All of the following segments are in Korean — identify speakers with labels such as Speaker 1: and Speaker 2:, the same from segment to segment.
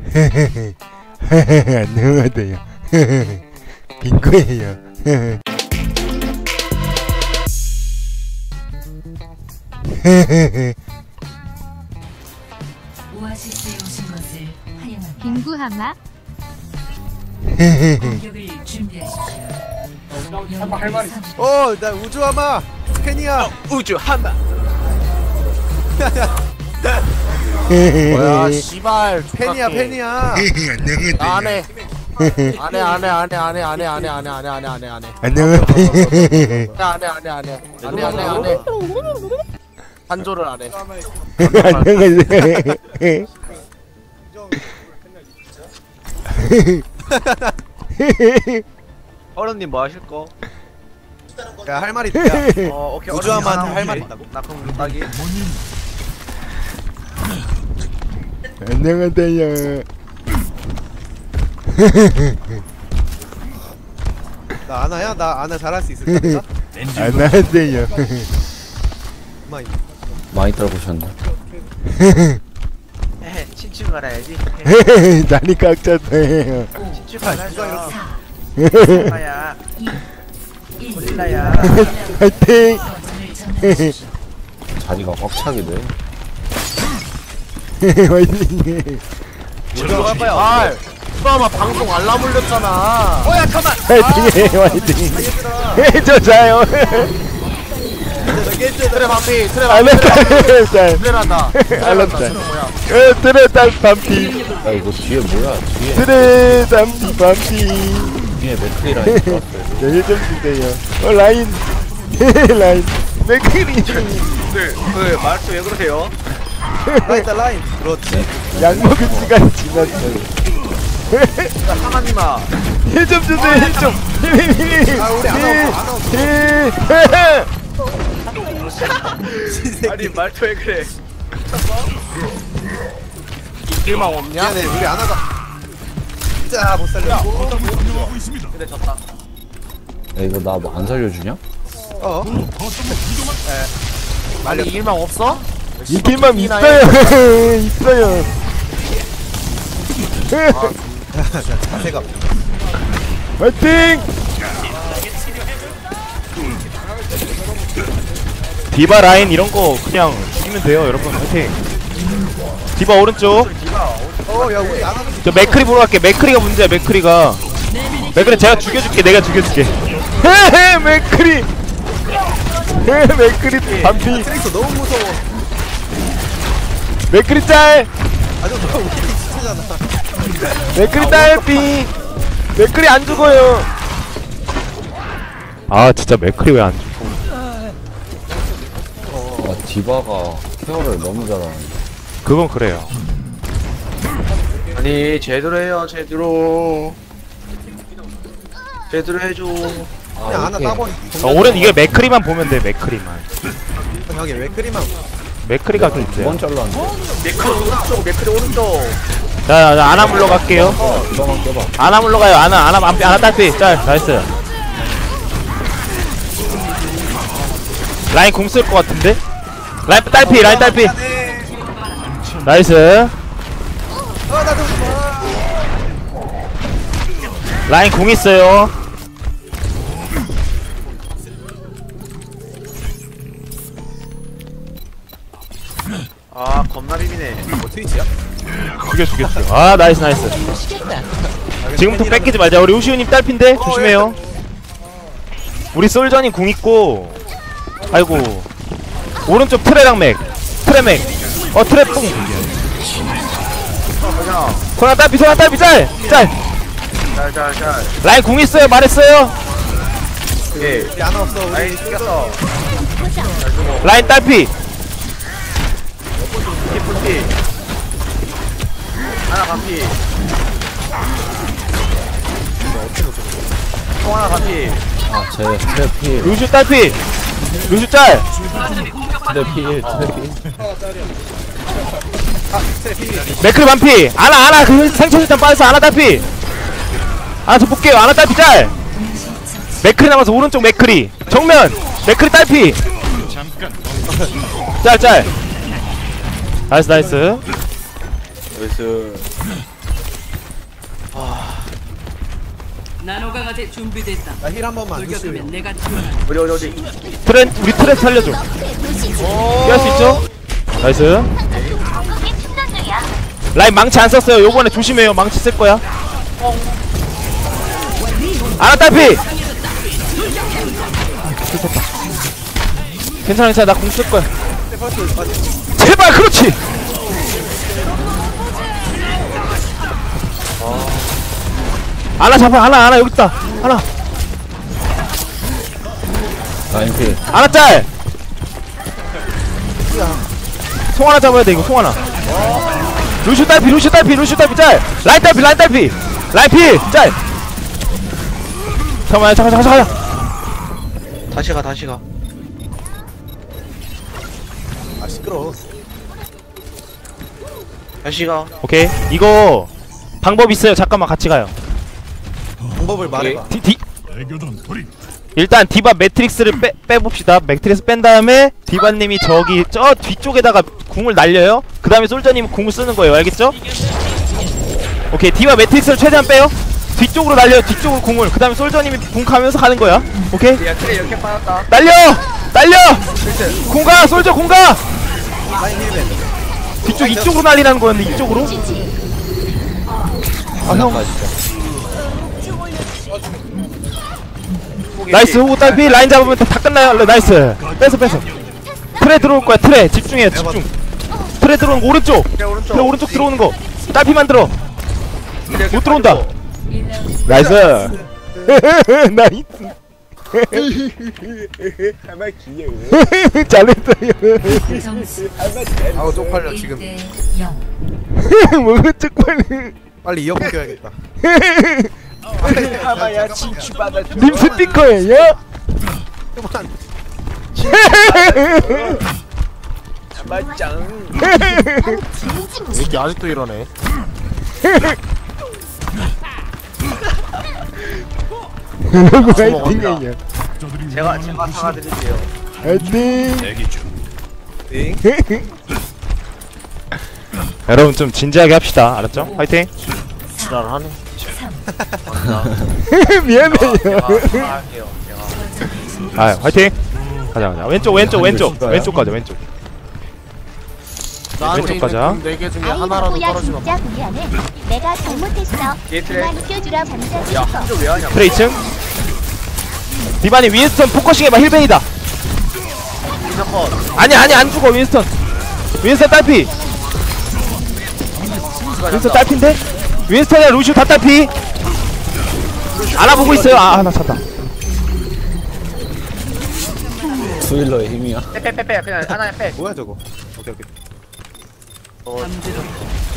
Speaker 1: 안녕하세요. 빙고예요.
Speaker 2: 오아시스에 오신 것을 환영합니다.
Speaker 3: 빙구하마.
Speaker 2: 공격을 준비하십시오.
Speaker 4: 할 말이
Speaker 5: 나 우주하마 팬이야.
Speaker 4: 우주하마.
Speaker 5: 뭐야
Speaker 4: 씨발
Speaker 5: 팬이야 팬이야.
Speaker 4: 안해 안해 한조를 안해.
Speaker 6: 어른님 뭐 하실 거?
Speaker 5: 야 할 말이 있다.
Speaker 6: 오케이.
Speaker 5: 우주하마한테 할 말 있다고?
Speaker 6: 나 그럼 따기.
Speaker 1: 안녕하세요.
Speaker 5: 나 아나야? 나 아나 잘할 수 있을까? 내가?
Speaker 1: 안녕하세요.
Speaker 7: 많이 떨구셨네.
Speaker 6: 에헤, 친추 갈아야지.
Speaker 1: 난이 꽉 찼어요.
Speaker 6: 친추 갈아줘.
Speaker 2: 4,
Speaker 6: 아야,
Speaker 2: 2, 1.
Speaker 6: 고릴라야.
Speaker 1: 화이팅!
Speaker 7: 자리가 꽉 차게 돼.
Speaker 1: 화이팅!
Speaker 6: 저로 갈 거야.
Speaker 4: 아 아마 방송 알람 울렸잖아.
Speaker 6: 뭐야, 잠깐.
Speaker 1: 화이팅! 화이팅! 저 자요.
Speaker 4: 트레 반피 트레
Speaker 1: 안
Speaker 4: 반피
Speaker 1: 했다.
Speaker 4: 트레란다.
Speaker 1: 알았다.
Speaker 4: 뭐야?
Speaker 1: 트레 딸 반피.
Speaker 7: 야 이거 뒤에 뭐야? 뒤에
Speaker 1: 트레 담비 반피.
Speaker 7: 뒤에 맥크리 라인 들어왔어요.
Speaker 1: 여기 좀 주세요. 라인. 라인. 맥크리.
Speaker 6: 그 말투 왜 그러세요?
Speaker 5: 라인다 라인. 그렇지.
Speaker 1: 약 먹을 시간이 지났어요.
Speaker 6: 상아님아.
Speaker 1: 힐 좀 주세요. 힐 좀.
Speaker 5: 아 우리 아나 없어.
Speaker 6: 아니 말투 왜 그래?
Speaker 4: 길망 없냐?
Speaker 5: 미안해 우리 아나가. 진짜 못 살려.
Speaker 6: 근데 졌다.
Speaker 7: 야 이거 나 뭐 안 살려주냐?
Speaker 4: 아니 길망 없어?
Speaker 1: 이 길만 있어요. 있어요.
Speaker 5: 자세가.
Speaker 1: 화이팅! 디바 라인 이런 거 그냥 죽이면 돼요, 여러분. 화이팅! 디바 오른쪽.
Speaker 5: 야 우리 아나.
Speaker 1: 저 맥크리 보러 갈게. 맥크리가 문제야, 맥크리가. 맥크리 제가 죽여줄게, 내가 죽여줄게. 헤헤, 맥크리! 헤헤, 맥크리 반피.
Speaker 5: 트릭스 너무 무서워.
Speaker 1: 맥크리 짤!
Speaker 5: 아주 우리 진짜잖아.
Speaker 1: 맥크리 딸피! 맥크리 안 죽어요! 아, 진짜 맥크리 왜 안 죽어?
Speaker 7: 디바가 케어를 너무 잘하는데.
Speaker 1: 그건 그래요.
Speaker 6: 아니 제대로 해요, 제대로. 제대로 해줘.
Speaker 5: 그냥 아나 따버리.
Speaker 1: 오른 이게 맥크리만 보면 돼, 맥크리만.
Speaker 5: 여기 왜 크리만.
Speaker 1: 맥크리가 그
Speaker 7: 두 번
Speaker 1: 있어요.
Speaker 7: 잘랐는데.
Speaker 6: 맥크리 오른쪽, 맥크리 오른쪽.
Speaker 1: 자, 아나 물러 갈게요.
Speaker 7: 디바만 껴봐.
Speaker 1: 아나 물러 가요. 아나 딸피. 짤, 나이스. 라인 공 쓸 것 같은데? 라인 딸피, 라인 딸피. 나이스. 라인 공 있어요.
Speaker 6: 아 겁나 비비네.
Speaker 5: 뭐 트위치야?
Speaker 1: 죽여. 아, 나이스. 지금부터 뺏기지 말자. 우리 우시우님 딸핀데 조심해요. 우리 솔저님 궁 있고. 아이고. 오른쪽 트레랑 맥. 트레맥. 트레 뿡. 소나 딸피 짤.
Speaker 6: 짤.
Speaker 1: 라인 궁 있어요. 말했어요.
Speaker 6: 예.
Speaker 5: 우리 아나 없어. 우리
Speaker 6: 라인 튀겼어.
Speaker 1: 라인 딸피.
Speaker 6: 피프티. 하나 반피. 통 하나 반피.
Speaker 7: 아제 트래필.
Speaker 1: 루슈 딸피. 루슈 짤.
Speaker 7: 트래필.
Speaker 1: 맥크리 반피. 아나 그 생초실탄 빠져서 아나 딸피. 저 볼게요. 아나 딸피 짤. 맥크리 남아서 오른쪽 맥크리. 정면 맥크리 딸피. 짤. 나이스.
Speaker 6: 나이스.
Speaker 3: 나노 강화제 준비됐다.
Speaker 5: 나 힐 한 번만 루시오.
Speaker 3: 돌격하면 내가 지원한다.
Speaker 6: 어디
Speaker 1: 우리 트랩 살려줘. 피할 수 있죠? 나이스. 라인 망치 안 썼어요. 요번에 조심해요. 망치 쓸 거야. 아나 딸피. 괜찮아 괜찮아. 나 공 쓸 거야. 제발 그렇지. 아나 잡아. 아나 여기 있다. 아나.
Speaker 7: 라인 필.
Speaker 1: 아나 짤. 송 하나 잡아야 돼 이거. 송 하나. 루슈 딸피 짤. 라인 딸피 라인 필 짤. 잠깐.
Speaker 6: 다시 가.
Speaker 5: 아 시끄러워.
Speaker 6: 다시 가.
Speaker 1: 오케이 이거 방법 있어요. 잠깐만 같이 가요.
Speaker 5: 방법을 말해봐.
Speaker 1: 일단 디바 매트릭스를 빼봅시다. 매트릭스 뺀 다음에 디바님이 저기 저 뒤쪽에다가 궁을 날려요. 그 다음에 솔저님이 궁을 쓰는 거예요. 알겠죠? 오케이 디바 매트릭스를 최대한 빼요. 뒤쪽으로 날려요. 뒤쪽으로 궁을. 그 다음에 솔저님이 궁 가면서 가는 거야. 오케이?
Speaker 6: 야 트레 이렇게 빠졌다.
Speaker 1: 날려! 궁가! 솔저 궁가!
Speaker 5: 라인 힐벤.
Speaker 1: 뒤쪽 이쪽으로 날리라는 거였는데 이쪽으로? 아 형. 나이스 호구 딸피. 라인 잡으면 다 끝나요. 나이스. 뺏어. 트레 들어올 거야. 트레 집중해. 집중. 트레 들어오는 거 오른쪽. 트레 오른쪽 들어오는 거. 딸피만 들어. 못 들어온다. 나이스. 나이스. 잘했어요.
Speaker 2: 점수
Speaker 5: 아우 쪽팔려 지금.
Speaker 2: 1대 0.
Speaker 1: 뭐가 쪽팔려.
Speaker 5: 빨리 이어폰 껴야겠다.
Speaker 6: 아마야 진취받아.
Speaker 1: 님 스피커예요?
Speaker 5: 그만.
Speaker 6: 맞짱.
Speaker 4: 이게 아직도 이러네.
Speaker 1: 누구 화이팅이에요.
Speaker 6: 제가 사과드릴게요.
Speaker 1: 화이팅.
Speaker 5: 띵.
Speaker 1: 여러분 좀 진지하게 합시다. 알았죠? 화이팅.
Speaker 4: 지랄을 하네.
Speaker 1: 미안해요.
Speaker 6: 사과할게요. 제가.
Speaker 1: 아 화이팅. 가자. 왼쪽 가자. 왼쪽.
Speaker 4: 나한테
Speaker 1: 왼쪽 가자.
Speaker 4: 있는 4개 중에 하나라도
Speaker 8: 아이고,
Speaker 4: 떨어지면
Speaker 8: 진짜 미안해. 내가 잘못했어.
Speaker 6: 얘 트레.
Speaker 8: 그만 껴주라 반짝이.
Speaker 6: 야 한조 왜 하냐?
Speaker 1: 트레 2층. 디바니 윈스턴 포커싱해봐. 힐벤이다. 아니 안 죽어. 윈스턴 딸피. 윈스턴 딸피인데? 윈스턴이랑 루시오 다 딸피. 알아보고 있어요. 나 찼다.
Speaker 7: 스윌러의 힘이야.
Speaker 6: 빼 그냥 하나에 빼.
Speaker 5: 뭐야 저거. 오케이.
Speaker 3: 잠재도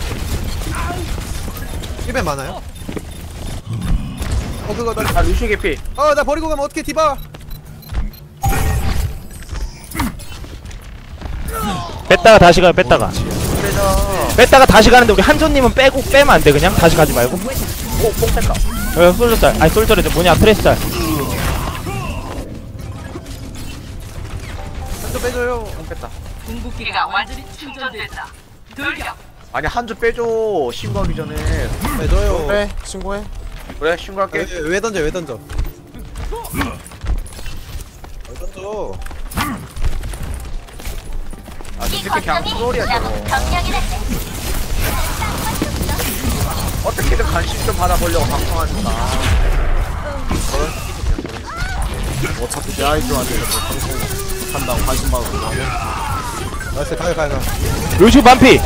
Speaker 5: 힐벤 많아요? 그거 나.
Speaker 6: 아 루시 개피.
Speaker 5: 나 버리고 가면 어떡해 디바.
Speaker 1: 뺐다가 다시 가요. 뺐다가
Speaker 6: 그래서
Speaker 1: 다시 가는데 우리 한조님은 빼면 안 돼. 그냥 다시 가지 말고.
Speaker 6: 뽕 뺄까?
Speaker 1: 솔저 짤. 아니 솔저래. 뭐냐 트레스 짤.
Speaker 5: 한쪽 빼줘요.
Speaker 6: 뽕 뺐다.
Speaker 3: 궁극기가 완전히 충전됐다. 돌격.
Speaker 6: 아니 한조 빼줘. 신고하기 전에.
Speaker 5: 빼줘요.
Speaker 4: 그래 신고해.
Speaker 6: 그래 신고할게.
Speaker 5: 왜 던져? 왜 던져?
Speaker 6: 아 이렇게 그냥 트롤이야 저거. 어떻게든 관심 좀 받아보려고 방송하니까.
Speaker 4: 어차피 내 아이들한테 이렇게 방송 한다고 관심 받고 그러면
Speaker 5: 나이스 가요.
Speaker 1: 루시오 반피.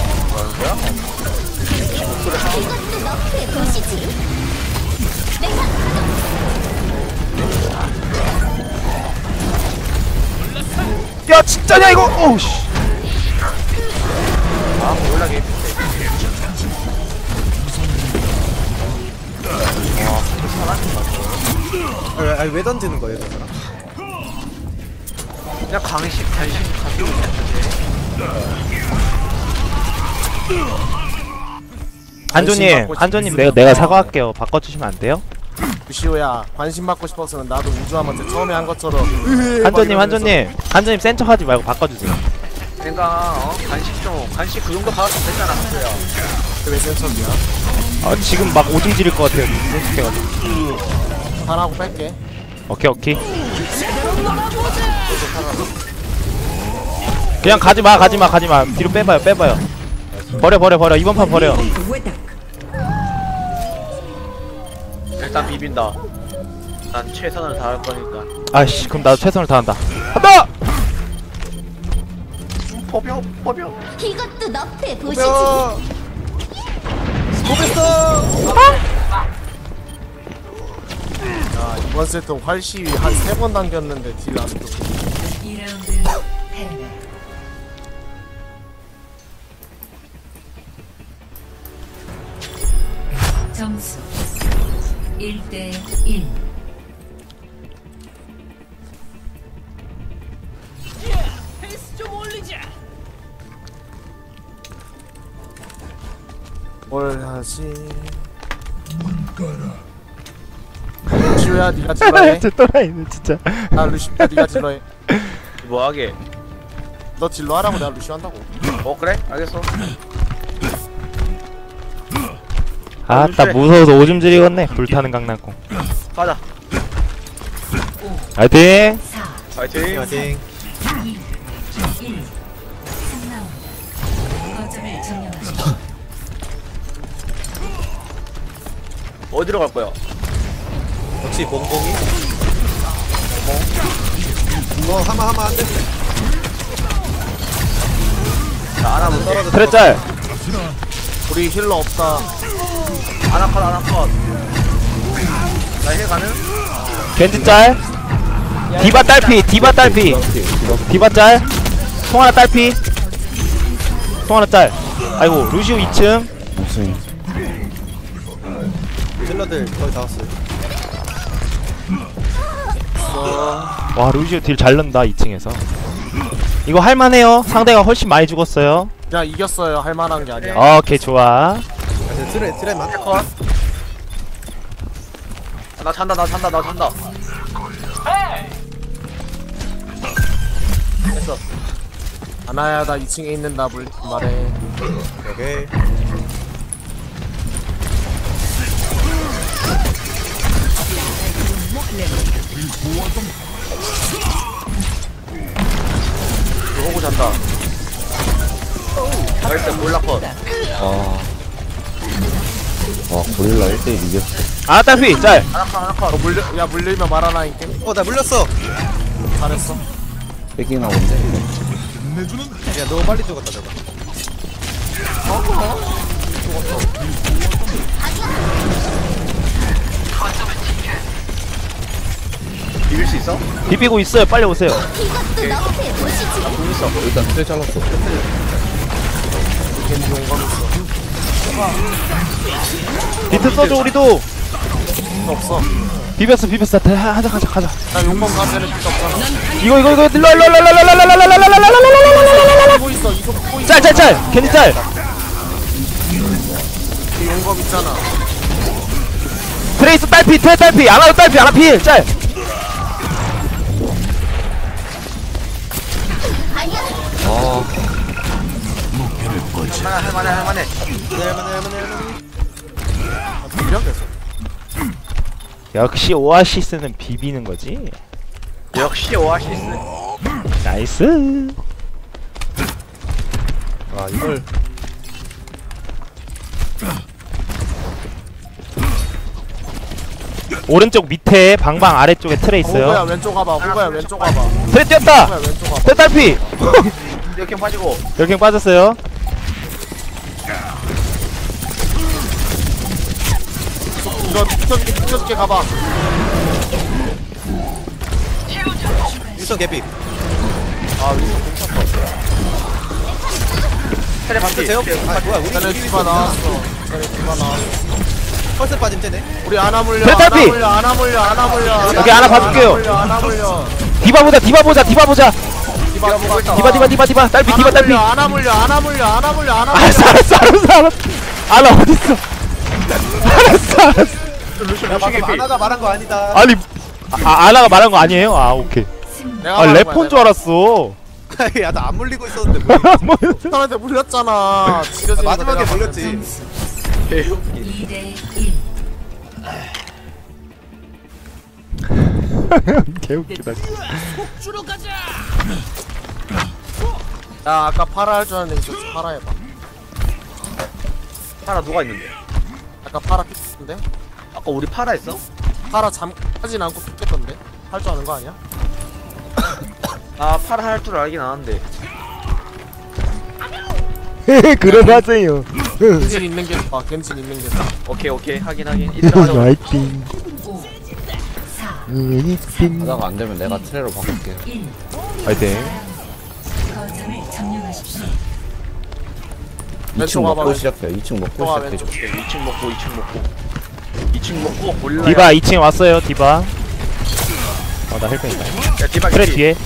Speaker 1: 야 진짜냐 이거. 오우씨.
Speaker 6: 아 몰라게.
Speaker 5: 왜 던지는 거예요, 저 사람?
Speaker 6: 그냥 관심 가지고 있는데.
Speaker 1: 한조님 내가 사과할게요. 바꿔주시면 안 돼요?
Speaker 4: 루시오야 관심 받고 싶었으면 나도 우주함한테 처음에 한 것처럼
Speaker 1: 한조님 센 척하지 말고 바꿔주세요.
Speaker 6: 그러니까 관심 그 정도 받았으면 됐잖아. 그래요.
Speaker 4: 왜 센척이야?
Speaker 1: 아 지금 막 오줌 지릴 것 같아요. 생각해가지고.
Speaker 4: 하나하고 뺄게.
Speaker 1: 오케이. 그냥 가지마. 뒤로 빼봐요. 버려. 이번 판 버려.
Speaker 6: 일단 비빈다. 난 최선을 다할 거니까.
Speaker 1: 아이씨, 그럼 나도 최선을 다한다. 간다!
Speaker 6: 포병.
Speaker 8: 이것도 너프에 보시지.
Speaker 4: 야 이번 세트 활시위 한 3번 당겼는데 딜 아직도
Speaker 2: 2라운드 패배. 점수 1대1.
Speaker 4: 뭘 하지? 루시오야 니가 질러해.
Speaker 1: 저 또라이네 진짜.
Speaker 4: 나 루시오야 니가 질러해.
Speaker 6: 뭐하게?
Speaker 4: 너 질러하라고 내가 루시오 한다고.
Speaker 6: 그래? 알겠어.
Speaker 1: 아따 무서워서 오줌 지리겠네. 불타는 강낭콩.
Speaker 6: 가자.
Speaker 1: 화이팅!
Speaker 2: 4,
Speaker 6: 파이팅.
Speaker 5: 파이팅.
Speaker 2: 2, 1. 3라운드. 거점을 점령하십시오.
Speaker 6: 어디로 갈 거야?
Speaker 5: 역시 몽봉이. 하마 안 돼.
Speaker 6: 자, 아나부터 떨어져.
Speaker 1: 트레짤!
Speaker 4: 우리 힐러 없다.
Speaker 6: 아나컷. 나힐 가능?
Speaker 1: 겐지짤! 디바 딸피! 디바 짤! 송하나 딸피! 송하나 짤! 아이고 루시오 2층.
Speaker 7: 무슨
Speaker 5: 딜러들 거의 다 왔어요.
Speaker 1: 와 루시오 딜 잘 넣는다 2층에서. 이거 할만해요. 상대가 훨씬 많이 죽었어요.
Speaker 4: 야 이겼어요. 할만한 게 아니야.
Speaker 1: 오케이 좋아.
Speaker 5: 트레만.
Speaker 6: 컷. 나 잔다. 됐어.
Speaker 4: 아나야 나 2층에 있는다 말해.
Speaker 5: 오케이.
Speaker 6: 호구 잔다. 나이스 몰라컷.
Speaker 7: 고릴라 1대1 이겼어.
Speaker 1: 아 딸피 짤!
Speaker 6: 아나컷.
Speaker 4: 야 물리면 말하나 인게.
Speaker 5: 나 물렸어.
Speaker 4: 잘했어.
Speaker 7: 뺏기나 본데.
Speaker 5: 야, 너무 빨리 죽었다 저거.
Speaker 6: 비빌 수 있어?
Speaker 1: 비비고 있어요. 빨리 오세요.
Speaker 8: 이것도 너프에 보시지.
Speaker 7: 일단 트레 잘랐어.
Speaker 4: 겐지 용감 있어.
Speaker 1: 비트 써줘 우리도.
Speaker 4: 없어.
Speaker 1: 비볐어. 가자.
Speaker 4: 나 용감 가면은 필요 없잖아.
Speaker 1: 이거 일로
Speaker 4: 보고 있어. 이거 보고 있어.
Speaker 1: 짤 겐지 짤.
Speaker 4: 그 용감 있잖아.
Speaker 1: 트레이스 딸피 아나도 딸피 아나 필 짤.
Speaker 6: 할만해.
Speaker 4: 밀려 계속.
Speaker 1: 역시 오아시스는 비비는 거지.
Speaker 6: 역시 오아시스.
Speaker 1: 나이스.
Speaker 5: 아 이걸.
Speaker 1: 오른쪽 밑에 방방 아래쪽에 트레
Speaker 4: 호구야
Speaker 1: 있어요.
Speaker 4: 왼쪽 가봐. 호구야 왼쪽 가봐.
Speaker 1: 트레 뛰었다.
Speaker 4: 호구야 왼쪽 가봐.
Speaker 1: 트레 딸피.
Speaker 6: 이렇게 빠지고.
Speaker 1: 열갱 빠졌어요.
Speaker 4: 이거 비켜줄게 가봐.
Speaker 5: 일선 개피.
Speaker 6: 테레 반피.
Speaker 5: 제어. 뭐야
Speaker 4: 쟤네 디바 나왔어.
Speaker 5: 펄스 빠짐 되네.
Speaker 4: 우리 아나 물려.
Speaker 1: 네, 딸피!
Speaker 4: 아나 물려.
Speaker 1: 여기 아나 봐줄게요.
Speaker 4: 아나 물려.
Speaker 1: 디바 보자.
Speaker 4: 디바
Speaker 1: 디바 딸피.
Speaker 4: 아나 물려.
Speaker 1: 알았어. 아나 어딨어? 알았어.
Speaker 5: 야 방금 아나가 말한 거 아니다.
Speaker 1: 아니 아나가 말한 거 아니에요? 아 오케이.
Speaker 4: 내가
Speaker 1: 아
Speaker 4: 말한
Speaker 1: 래퍼인
Speaker 4: 거야,
Speaker 1: 줄 알았어.
Speaker 5: 야 나 안 물리고 있었는데
Speaker 4: 사람한테 물렸잖아. 지려지는 거
Speaker 5: 마지막에
Speaker 4: 내가
Speaker 5: 물렸지.
Speaker 2: 점수
Speaker 4: 개웃기.
Speaker 2: 2대 1.
Speaker 1: 개웃기다.
Speaker 4: 야 아까 파라 할 줄 아는데 이제 파라 해봐.
Speaker 6: 파라 누가 있는데?
Speaker 4: 아까 파라 픽했던데?
Speaker 6: 아까 우리 파라 했어?
Speaker 4: 파라 하진 않고 픽했던데? 할 줄 아는 거 아니야?
Speaker 6: 아 파라 할 줄 알긴 아는데.
Speaker 1: 그러하세요.
Speaker 4: 겐진 있는 게 좋아. 겐진 있는 게 좋아.
Speaker 6: 오케이 하긴. 이따 하자.
Speaker 1: 화이팅.
Speaker 2: 5, 4,
Speaker 7: 하다가 안 되면 내가 트레로 바꿀게.
Speaker 2: 1.
Speaker 1: 화이팅.
Speaker 2: 거점을 점령하십시오.
Speaker 7: 2층
Speaker 4: 와봐.
Speaker 7: 먹고 시작해. 2층 먹고
Speaker 4: 또 와,
Speaker 7: 시작해.
Speaker 4: 왼쪽.
Speaker 6: 오케이 2층 먹고 골라.
Speaker 1: 디바 2층에 왔어요. 디바. 나 헬펜이다.
Speaker 6: 야 디바
Speaker 1: 그래
Speaker 6: 개피.
Speaker 1: 뒤에.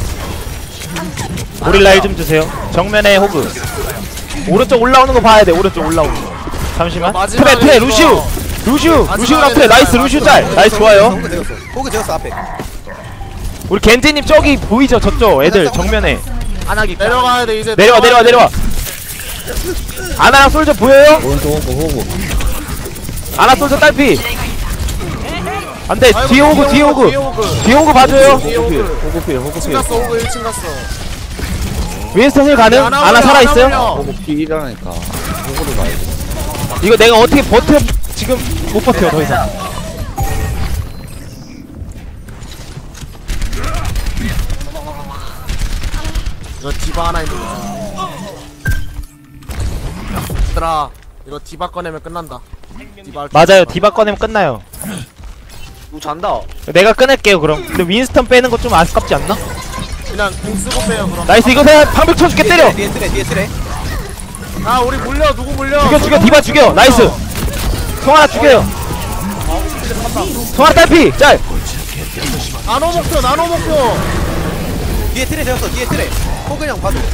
Speaker 1: 고릴라 1 좀 주세요. 정면에 호그. 오른쪽 올라오는 거 봐야 돼. 오른쪽 올라오는 거. 잠시만.
Speaker 4: 마지막에
Speaker 1: 트레
Speaker 4: 이거-
Speaker 1: 루시우. 루시우랑 트레. 나이스 루시우 짤.
Speaker 4: 마지막에
Speaker 1: 나이스 좋아요.
Speaker 5: 호그 되었어. 호그 되었어 앞에.
Speaker 1: 우리 겐지님 저기 보이죠? 저쪽 애들 정면에.
Speaker 6: 안하기
Speaker 4: 내려가야 돼 이제.
Speaker 1: 내려와. 아나랑 솔저 보여요?
Speaker 7: 오른쪽 호구.
Speaker 1: 아나 솔저 딸피. 안돼.
Speaker 4: 아이고,
Speaker 1: 뒤에 오고. 뒤에 오고 봐줘요.
Speaker 4: 뒤에
Speaker 7: 호구필.
Speaker 4: 오그.
Speaker 7: 호구필.
Speaker 4: 1층
Speaker 7: 호구필.
Speaker 4: 갔어. 오그 1층 갔어.
Speaker 1: 윈스턴 힐 가능? 아나 살아있어요?
Speaker 7: 호구필이라니까. 호구를 가야 돼.
Speaker 1: 이거 내가 어떻게 버텨? 지금 못 버텨 더 이상.
Speaker 4: 이거 디바 하나 있는 거. 얘들아 이거 디바 꺼내면 끝난다. 디바 할 줄
Speaker 1: 맞아요.
Speaker 4: 알아.
Speaker 1: 디바 꺼내면 끝나요.
Speaker 6: 누구 잔다.
Speaker 1: 내가 끊을게요 그럼. 근데 윈스턴 빼는 거 좀 아깝지 않나?
Speaker 4: 그냥 공 쓰고 빼요 그럼.
Speaker 1: 나이스. 이거 내가 방벽 쳐줄게. 때려.
Speaker 5: 뒤에 트레.
Speaker 4: 아 우리 물려. 누구 물려?
Speaker 1: 죽여. 디바 죽여. 나이스. 송하나 죽여요. 송하나 딸피. 짤.
Speaker 4: 나노 목표.
Speaker 5: 뒤에 트레 되었어. 뒤에 트레. 호그 형 봐줘.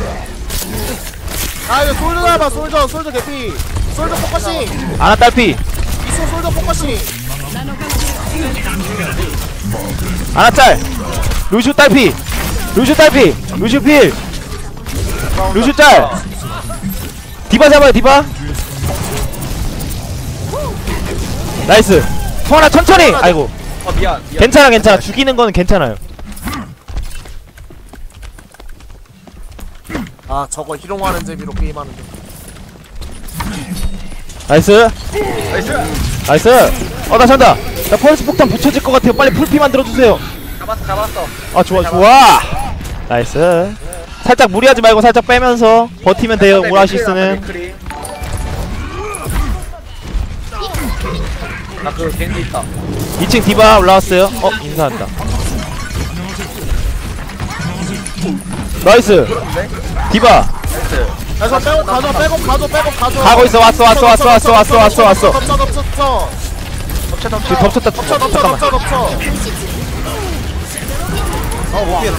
Speaker 4: 아 이거 솔저 잡아. 솔저 개피. 솔저 포커싱.
Speaker 1: 아나 딸피.
Speaker 4: 이소 솔저 포커싱.
Speaker 1: 아나 짤. 루슈 딸피. 루슈 필. 루슈 짤. 디바 잡아요. 디바. 나이스. 송하나 천천히. 아이고.
Speaker 6: 미안.
Speaker 1: 괜찮아. 죽이는 거는 괜찮아요.
Speaker 4: 아 저거 희롱하는 재미로 게임하는데.
Speaker 1: 나이스.
Speaker 6: 나이스.
Speaker 1: 나 잔다. 나 펄스 폭탄 붙여질 것 같아요. 빨리 풀피 만들어주세요.
Speaker 6: 잡았어.
Speaker 1: 아 좋아. 나이스. 살짝 무리하지 말고 살짝 빼면서 버티면 돼요. 오아시스는.
Speaker 6: 나그 겐지 있다.
Speaker 1: 2층 디바 올라왔어요. 인사한다. 나이스. 디바
Speaker 4: 야 저 백업 가져.
Speaker 1: 가고 있어. 왔어. 지금 덮쳤다. 잠깐만.
Speaker 4: 덮쳐.
Speaker 5: 못 피했어.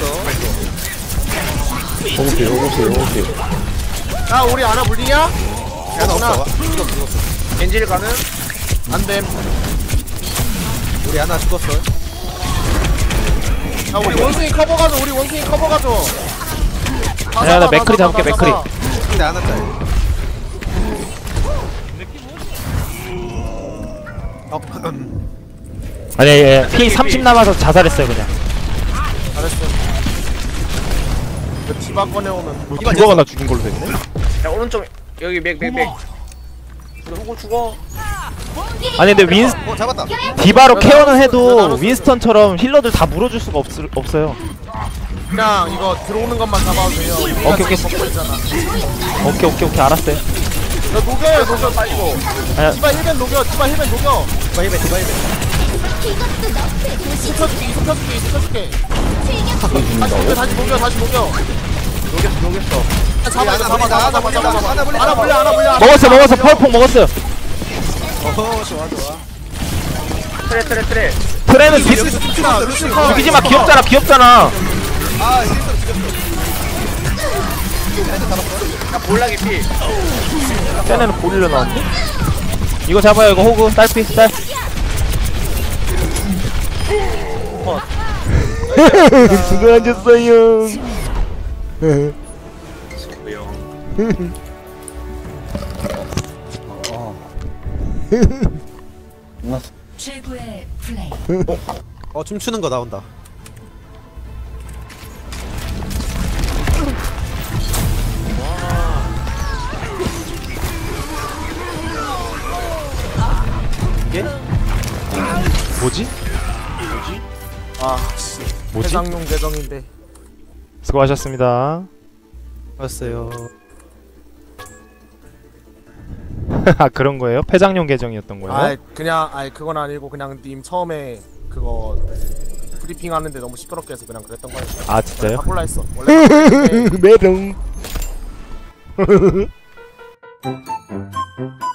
Speaker 7: 호구필.
Speaker 4: 야 우리 아나 물리냐?
Speaker 5: 하나 없어. 죽었어.
Speaker 6: 겐지를 가는.
Speaker 4: 안됨.
Speaker 5: 우리 하나 죽었어.
Speaker 4: 야 우리 원숭이 커버 가져.
Speaker 1: 야, 나 맥크리 잡을게, 맥크리.
Speaker 5: 근데 하나 짤.
Speaker 1: 아니, 피 30 남아서 자살했어요 그냥.
Speaker 4: 잘했어. 그 디바 꺼내오면
Speaker 1: 디바가 나 죽인 걸로 됐네.
Speaker 6: 야 오른쪽 여기 맥. 우리 호구 죽어.
Speaker 1: 아니 근데
Speaker 5: 잡았다.
Speaker 1: 디바로 케어는 해도 윈스턴처럼 힐러들 다 물어줄 수가 없어요.
Speaker 4: 그냥 이거 들어오는 것만 잡아도 돼요.
Speaker 1: 오케이.
Speaker 4: 먹고 있잖아.
Speaker 1: 오케이 알았어요.
Speaker 4: 야 녹여 빨리고.
Speaker 1: 아니야.
Speaker 4: 디바 힐벤 녹여.
Speaker 5: 디바 힐벤.
Speaker 8: 이것도 너프의 도시.
Speaker 4: 익혀줄게.
Speaker 8: 즐겨.
Speaker 4: 다시 녹여.
Speaker 6: 녹였어.
Speaker 4: 잡아. 하나 물려.
Speaker 1: 먹었어. 펄폭 먹었어요.
Speaker 5: 좋아.
Speaker 6: 트레.
Speaker 1: 트레는
Speaker 4: 루시
Speaker 1: 죽이지 마. 귀엽잖아.
Speaker 5: 아 실수로 죽였어.
Speaker 6: 야 볼락이 피.
Speaker 1: 쟤네는 고릴라 나왔네. 이거 잡아요. 이거 호구 딸피. 수고하셨어요.
Speaker 2: 최고의 플레이.
Speaker 5: 춤추는 거 나온다. 이게?
Speaker 1: 뭐지?
Speaker 4: 아씨
Speaker 1: 뭐지?
Speaker 4: 해상용 계정인데
Speaker 1: 수고하셨습니다.
Speaker 5: 봤어요.
Speaker 1: 아 그런 거예요? 폐장용 계정이었던 거예요?
Speaker 4: 아이 그냥 아이 그건 아니고 그냥 님 처음에 그거 브리핑 하는데 너무 시끄럽게 해서 그냥 그랬던 거예요.
Speaker 1: 아 진짜요?
Speaker 4: 바꿀라 했어 원래 바꿀 건데
Speaker 1: 메롱